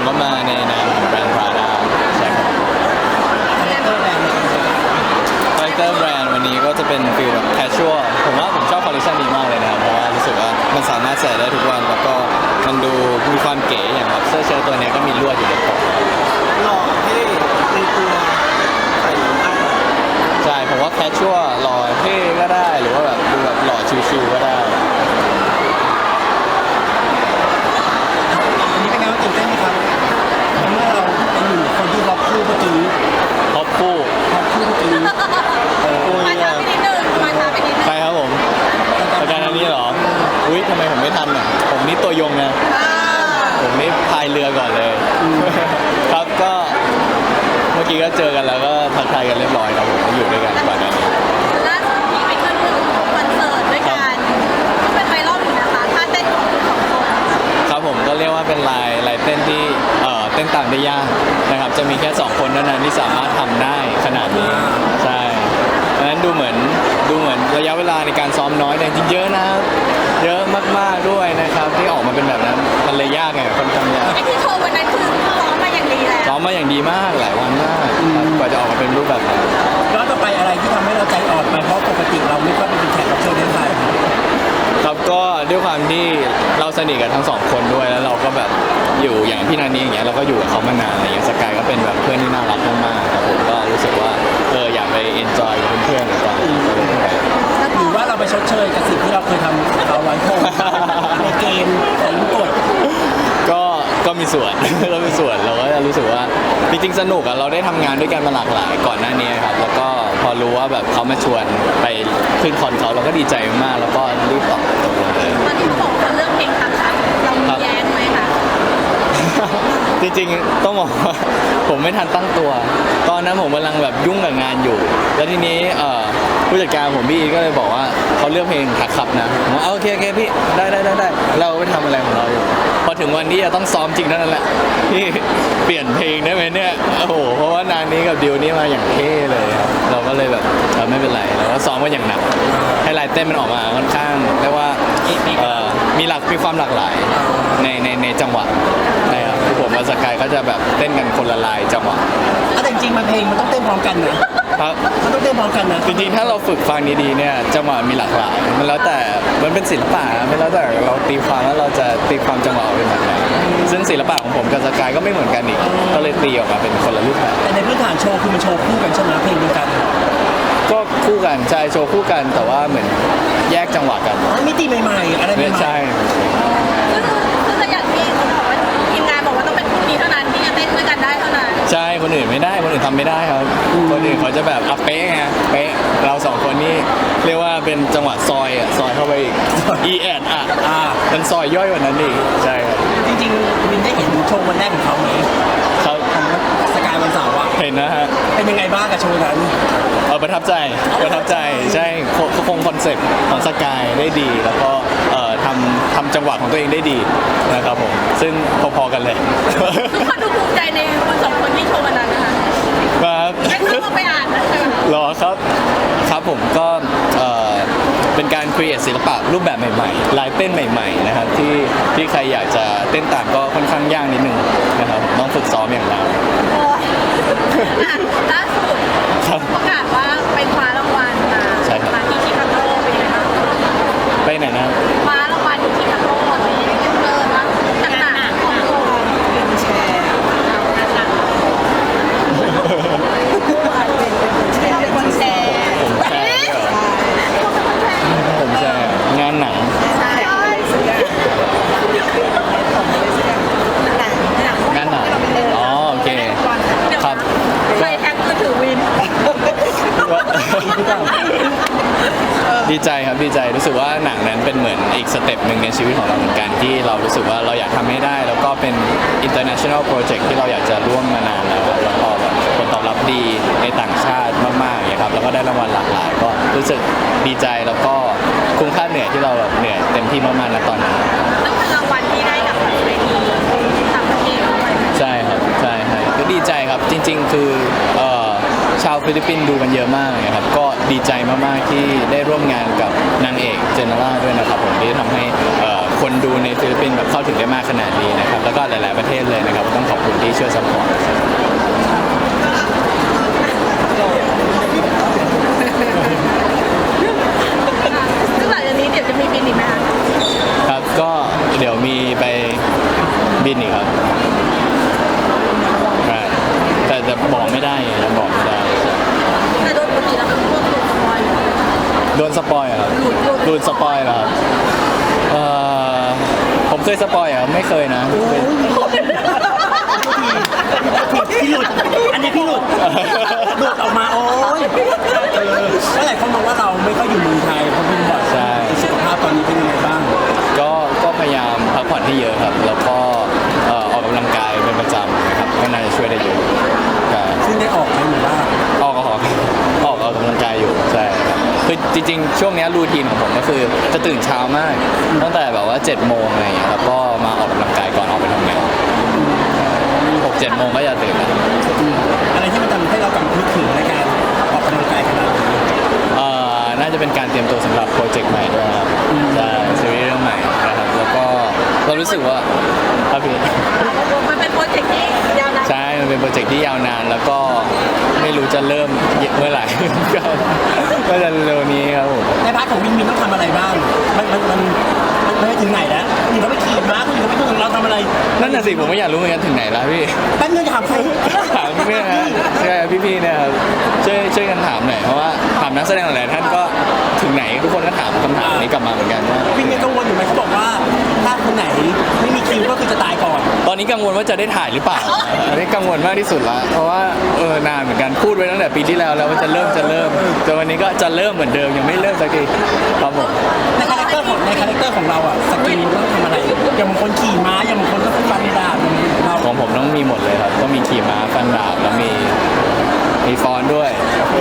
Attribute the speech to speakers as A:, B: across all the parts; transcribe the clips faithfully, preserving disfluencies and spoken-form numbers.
A: ผมก็มาในนามของแบรนด์ Prada ใช่ครับคาแรคเตอร์แบรนด์คาแรคเตอร์แบรนด์วันนี้ก็จะเป็นฟีลแบบ casual ผมว่าผมชอบคอลเลคชันนี้มากเลยนะครับเพราะว่ารู้สึกว่ามันสามารถใส่ได้ทุกวันแล้วก็มันดูมีความเก๋อย่างแบบเสื้อเชิ้ตตัวนี้ก็มีลวดอยู่ในปกหล่อเท่ในตัวใส่ได้ใช่ผมว่า casual หล่อเท่ก็ได้หรือว่าแบบดูแบบหล่อชิวๆก็ได้ท็อปคู่ท็อปคู่ทีมาช้าไปนิดนึงมาช้าไปนิดนึงใครครับผมอาจารย์อันนี้เหรออุ้ยทำไมผมไม่ทันอ่ะผมนี่ตัวยงนะผมนี่พายเรือก่อนเลยครับก็เมื่อกี้ก็เจอกันแล้วก็ทักทายกันเรียบร้อยครับผมอยู่ด้วยกันก่อนหน้านี้
B: ล่าสุดมีไปขึ้นคอนเสิร์ตด้วยกันก็เป็นไวรัลอยู่นะคะท่าเต้นของคุณสองคน
A: ครับผมก็เรียกว่าเป็นลายลายเต้นที่เอ่อเต้นตามได้ยากนะครับจะมีแค่สองคนเท่านั้นที่สามารถทำได้ขนาดนี้ใช่ดังนั้นดูเหมือนดูเหมือนระยะเวลาในการซ้อมน้อยแต่จริงเยอะนะเยอะมากๆด้วยนะครับที่ออกมาเป็นแบบนั้นมันเลยยากไงค่อนข้างยาก
B: ไอ้ที่โชว์วันนั้นคือซ้อมมาอย่างดีแล้ว
A: ซ้อมมาอย่างดีมากหลายวันมากกว่าจะออกมาเป็นรูปแบบนั้น
C: แล้วต่อไปอะไรที่ทำให้เราใจอ่อนไปเพราะปกติเราไม่ค่อยเป็นแขกรับเชิญในไทย
A: ครับก็ด้วยความที่เราสนิทกับทั้งสองคนด้วยแล้วเราก็แบบอยู่อย่างพี่นานี้อย่างเงี้ยเราก็อยู่กับเขามานานอะไรเงี้ยสกายก็เป็นแบบเพื่อนที่น่ารักมากๆครับผมก็รู้สึกว่าเอออยากไปเอนจอยกับเพื่อนๆหรือว่า
C: หรือว่าเราไปชดเชยกับสิ่งที่เราเคยทำเราไว้โทษในเกมของกฎ
A: ก็ก็มีส่วนก็มีส่วนเราก็รู้สึกว่าจริงๆสนุกอะเราได้ทำงานด้วยกันมาหลากหลายก่อนหน้านี้ครับแล้วก็พอรู้ว่าแบบเขามาชวนไปขึ้นคอนเขาเราก็ดีใจมากแล้วก็รีบตอบตกลงเลย
B: ตอนที่เขาบอกเรื่องเพลงคำค่ะเรามีแย้งไหมคะ
A: จริงๆต้องบอกว่าผมไม่ทันตั้งตัวตอนนั้นผมกำลังแบบยุ่งกับงานอยู่แล้วทีนี้ผู้จัดการผมพี่ก็เลยบอกว่าเขาเลือกเพลงหักขับนะผมว่าโอเคโอเคพี่ได้ได้ได้ได้เราไปทำอะไรของเราอยู่พอถึงวันที่จะต้องซ้อมจริงนั่นแหละพี่เปลี่ยนเพลงได้ไหมเนี่ยโอ้โหเพราะว่านานนี้กับดิวนี่มาอย่างเท่เลยเราก็เลยแบบไม่เป็นไรเราก็ซ้อมกันอย่างหนักให้ลายเต้นมันออกมาค่อนข้างเรียกว่ามีหลักมีความหลากหลายในในในจังหวะนะครับคือผมกับสกายก็จะแบบเต้นกันคนละลายจังหวะ
C: แต่จริงๆมันเพลงมันต้องเต้นพร้อมกันนะครับมันต้องเต้นพร้อมกันนะ
A: จริงๆถ้าเราฝึกฟังดีๆเนี่ยจังหวะมีหลากหลายมันแล้วแต่มันเป็นศิลปะมันแล้วแต่เราตีความแล้วเราจะตีความจังหวะเป็นแบบไหนซึ่งศิลปะของผมกับสกายก็ไม่เหมือนกันอีกก็เลยตีออกมาเป็นคนละรูปแบบ
C: แต่ในพื้นฐานโชว์คือมันโชว์คู่กันใช่ไหมเพลงเดียวกัน
A: ก็คู่กันใช่โชว์คู่กันแต่ว่าเหมือนแยกจังหวะกัน
C: มิติใหม่ๆอะไรใหม่
A: ๆใช่
B: คือคืออย่างที่เขาบอกว่าทีมงานบอกว่าต้องเป็นคู่นี้เท่านั้นที่จะเต้นด้วยกันได้เท่านั้น
A: ใช่คนอื่นไม่ได้คนอื่นทำไม่ได้ครับคนอื่นเขาจะแบบอัพเป๊ะไงเป๊ะเราสองคนนี่เรียกว่าเป็นจังหวะซอยอ่ะซอยเข้าไปอีก อีแอนอ่ะอ่ามันซอยย่อยกว่านั้นอีกใช่ครับ
C: จริงๆมินได้เห็นโชว์วันแรกของเขาไหม
A: เขา
C: สกายวันเสาร์อ่ะ
A: เห็นนะฮะ
C: เป็นยังไงบ้างกับโชว์นั้น
A: เออประทับใจประทับใจใช่เขาคงคอนเซ็ปต์ของสกายได้ดีแล้วก็เอ่อทำทำจังหวะของตัวเองได้ดีนะครับผมซึ่งพอๆกันเลย
B: ทุกคนดูภูมิใจในคนสองคนที่โชว์วันนั้นนะคะ
A: ครับ
B: ไม่ต้องไปอ่านนะ
A: รอครับครับผมก็เอ่อเป็นการครีเอทศิลปะรูปแบบใหม่ๆลายเต้นใหม่ๆนะครับที่ที่ใครอยากจะเต้นตามก็ค่อนข้างยากนิดนึงนะครับต้องฝึกซ้อมอย่างหนัก
B: ล่าสุดประกาศว่าไปคว้ารางวัลมามาที่ชิคาโกเป็นไงบ้าง
A: ไปไหนนะ
B: คว้ารางวัลที่ชิคาโกเลยเลิศมากต่างๆของตัวเป็นแชร์เป็นคนแชร์
A: ผมแชร์ผมแชร์งานหนังงานหนังอ๋อโอเคครับ
B: ใครแท็กมือถือวิน
A: ดีใจครับดีใจรู้สึกว่าหนังนั้นเป็นเหมือนอีกสเต็ปหนึ่งในชีวิตของเราเหมือนกันที่เรารู้สึกว่าเราอยากทำให้ได้แล้วก็เป็น international project ที่เราอยากจะร่วมมานานแล้วแล้วก็แบบผลตอบรับดีในต่างชาติมากๆอย่างครับแล้วก็ได้รางวัลหลากหลายก็รู้สึกดีใจแล้วก็คุ้มค่าเหนื่อยที่เราแบบเหนื่อยเต็มที่มากๆณตอนนั้น
B: ต้องเป็นรางวัลที่ได้กับเวทีต่างประเทศด้วย
A: ใช่ครับใช่ใช่ก็ดีใจครับจริงๆคือเอ่อชาวฟิลิปปินส์ดูกันเยอะมากเลยครับก็ดีใจมากๆที่ได้ร่วมงานกับนางเอกเจเนร่าด้วยนะครับผมที่ทำให้คคนดูในฟิลิปปินส์แบบเข้าถึงได้มากขนาดนี้นะครับแล้วก็หลาย ๆประเทศเลยนะครับต้องขอบคุณที่ช่วยซัพพอร์ต
B: ซึ่งหลังจากนี้เดี๋ยวจะมีบินอีกไหมคะ
A: ครับก็เดี๋ยวมีไปบินอีกครับใช่แต่จะบอกไม่ได้ยังบอกไม่ได้
B: แต่โดยปกติแล้วเป็นพวกตัวสปอยล์อยู่แล้ว
A: โดนสปอยเหรอครับ
B: หลุดหลุด
A: โดนสปอยเหรอครับเอ่อผมเคยสปอยเหรอไม่เคยนะเคย
C: พี่หลุดอันนี้พี่หลุดหลุดออกมาโอ้ยเออแล้วหลายคนมองว่าเราไม่ค่อยอยู่เมืองไทยเพราะบินบ่อย
A: ใช่
C: สุขภาพตอนนี้เป็นยังไงบ้าง
A: ก็ก็พยายามพักผ่อนให้เยอะครับ แล้วก็เอ่อออกกำลังกายเป็นประจำนะครับก็น่าจะช่วยได้เยอะใช่
C: ซึ่งได้ออกไหมหรือว่า
A: ออกออกออกออกกำลังกายอยู่ใช่ครับคือจริงๆ ช่วงเนี้ยรูทีนของผมก็คือจะตื่นเช้ามาก ตั้งแต่แบบว่าเจ็ดโมงอะไรอย่างเงี้ยครับก็มาออกกำลังกายก่อนออกไปทำงานหกเจ็ดโมงก็จะตื่นแล้ว
C: อะไรที่มันทำให้เรากลับนึกถึงในการออกกำลังกายขนาดนี้
A: เอ่อน่าจะเป็นการเตรียมตัวสำหรับโปรเจกต์ใหม่ด้วยครับใช่ซีรีส์เรื่องใหม่นะครับแล้วก็เรารู้สึกว่าครับพี่
B: มันเป็นโปรเจกต์ที่ยาวนาน
A: ใช่ มันเป็นโปรเจกต์ที่ยาวนาน แล้วก็ไม่รู้จะเริ่มเมื่อไหร่ ก็ก็จะเร็วนี้ครับผม
C: ในพาร์ทของวินวินต้องทำอะไรบ้าง มันมันมันมันไม่ถึงไหนแล้วคุณเขาไปขี่ม้าคุณเขาไปดูเราทำอะไร
A: นั่นน่ะสิผมไม่อยากรู้เหมือนกันถึงไหนแล้วพี่
C: แป๊บนึงถามใคร
A: ถามพี่นะฮะใช่พี่ๆเนี่ยครับช่วยช่วยกันถามหน่อยเพราะว่าถามนักแสดงหลายๆท่านก็ถึงไหนทุกคนก็ถามคำถามนี้กลับมาเหมือนกันว่า
C: วินยังกังวลอยู่ไหมเขาบอกว่าถ้าคนไหนไม่มีคิวก็คือจะตายก่อน
A: ตอนนี้กังวลว่าจะได้ถ่ายหรือเปล่าอันนี้กังวลมากที่สุดละเพราะว่าเออนานเหมือนกันพูดไว้ตั้งแต่ปีที่แล้วแล้วว่าจะเริ่มจะเริ่มแต่วันนี้ก็จะเริ่มเหมือนเดิมยังไม่เริ่มสักทีครับผม
C: ในคาแรคเตอร์ของในคาแรคเตอร์ของเราอ่ะสกิลต้องทำอะไร อย่างบางคนขี่ม้าอย่างบางคนก็ฟันดาบอย่างเรา
A: ของผมต้องมีหมดเลยครับต้องมีขี่ม้าฟันดาบแล้วมีมีฟอนด้วย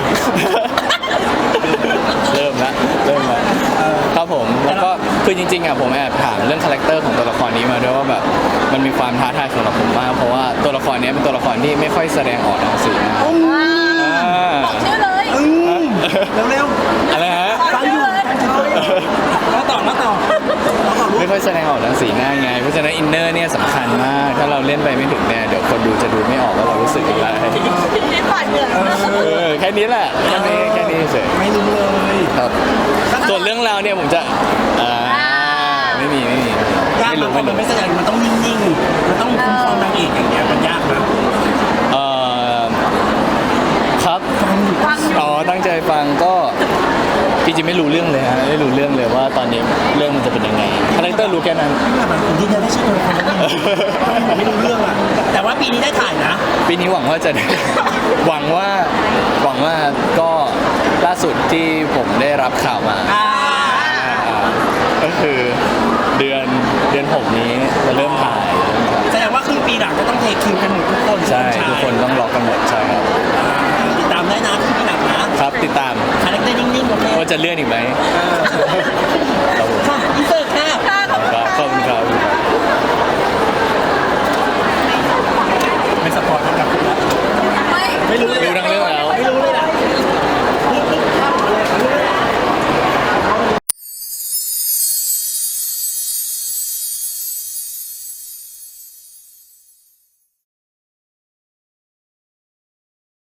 A: เริ่มละเริ่มละครับผมแล้วก็คือจริงๆอ่ะผมแอบถามเรื่องคาแรคเตอร์ของตัวละครนี้มาด้วยว่าแบบมันมีความท้าทายสำหรับผมมากเพราะว่าตัวละครนี้เป็นตัวละครที่ไม่ค่อยแสดงออกทางสีหน้าอ่า
B: บอกชื่อเลย
C: อืมเร็ว
A: อะไรฮะ
C: ๆฟังอยู่แล้วต่อแล้วต่อแล้วต่อ
A: ไม่ค่อยแสดงออกทางสีหน้าไงเพราะฉะนั้นอินเนอร์เนี่ยสำคัญมากถ้าเราเล่นไปไม่ถึงเนี่ยเดี๋ยวคนดูจะดูไม่ออกว่าเรารู้สึกอะไร
B: เล่นผ่านเหงื่อ
A: เออแค่นี้แหละแค่นี้แค่นี้เฉย
C: ไม่รู้เลย
A: ครับส่วนเรื่องราวเนี่ยผมจะอ่าไม่มีไม่มี
C: ยาก
A: ไม่
C: มา
A: รู้
C: ก
A: ไม่
C: มัน
A: รู้
C: ไม่แสดงมันต้องนิ่งๆ มันต้องคุ้มครองนางเอกอย่างเงี้ยมันยากนะ
A: เอ่อครับ
B: ฟังอยู่
A: อ๋อตั้งใจฟังก็จริงๆไม่รู้เรื่องเลยฮะไม่รู้เรื่องเลยว่าตอนนี้เรื่องมันจะเป็นยังไงคาแรคเตอร์รู้แค่นั้น
C: แบบผมยืนยันได้ชื่อตัวละครนั้นผมไม่รู้เรื่องอ่ะ แต่ว่าปีนี้ได้ถ่ายนะ
A: ปีนี้หวังว่าจะ ได้ หวังว่าหวังว่าก็ล่าสุดที่ผมได้รับข่าวมา
C: อ่า
A: อ่าก็คือเดือนเดือนหกนี้จะเริ่มถ่าย
C: แสดงว่าครึ่งปีหลังจะต้องเทคิวกันหมดทุกคน
A: ใช่ทุกคนต้องรอกันหมดใช่ครับ
C: อ่าติดตามได้นะครึ่งปีหลังนะครับ
A: ติดตาม
C: คาแรคเตอร์นิ่งๆโอเค
A: ว่าจะเลื่อนอีกไหม
C: เออ